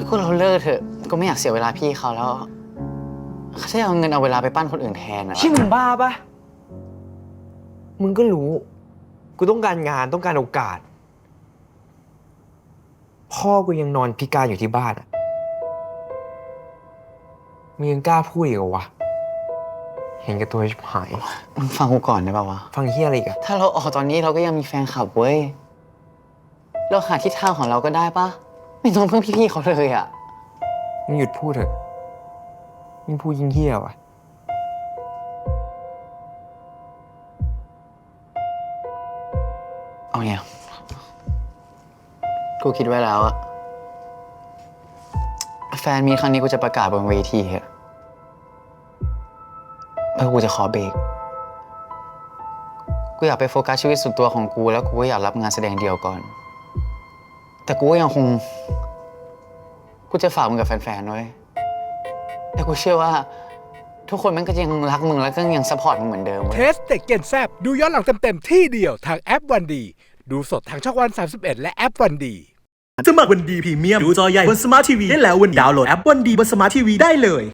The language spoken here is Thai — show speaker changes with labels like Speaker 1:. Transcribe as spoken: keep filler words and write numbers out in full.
Speaker 1: ก็เราเลิกเถอะก็ไม่อยากเสียเวลาพี่เขาแล้วเขาจะเอาเงินเอาเวลาไปปั้นคนอื่นแทนอะ
Speaker 2: ที่มึงบ้าปะมึงก็รู้กูต้องการงานต้องการโอกาสพ่อกูยังนอนพิการอยู่ที่บ้านอะมึงยังกล้าพูดอีกเหรอวะเห็นแกับตัวชิบหาย
Speaker 1: มึงฟังกูก่อนได้ป่าวะ
Speaker 2: ฟังเฮียอะไรอีกอะ
Speaker 1: ถ้าเราออกตอนนี้เราก็ยังมีแฟนคลับเว้ยเราหาทิศทางของเราก็ได้ปะไม่ต้องเพิ่งพี่ๆเขาเลยอะ
Speaker 2: มึงหยุดพูดเถอะยิ่งพูดยิ่งเฮี้ยวะ
Speaker 1: เอาไงกูคิดไว้แล้วอะแฟนมีครั้งนี้กูจะประกาศบนเวทีอะแล้วกูจะขอเบรกกูอยากไปโฟกัสชีวิตส่วนตัวของกูแล้วกูก็อยากรับงานแสดงเดี่ยวก่อนแต่กูก็ยังคงกูจะฝากมึงกับแฟนๆไว้แต่กูเชื่อว่าทุกคนมันก็ยังรักมึงแล้วก็ยังซัพพอร์ตมึงเหมือนเดิมเว้ย
Speaker 3: เทสเด็กเก่นแซบดูย้อนหลังเต็มๆที่เดียวทางแอปวันดีดูสดทางช่องวันสามสิบเอ็ดและแอปวันดี
Speaker 4: สมัครวันดีพรีเมียมดูจอใหญ่บนสมาร์ททีวีได้แล้ววันนี้ดาวน์โหลดแอปวันดีบนสมาร์ททีวีได้เลย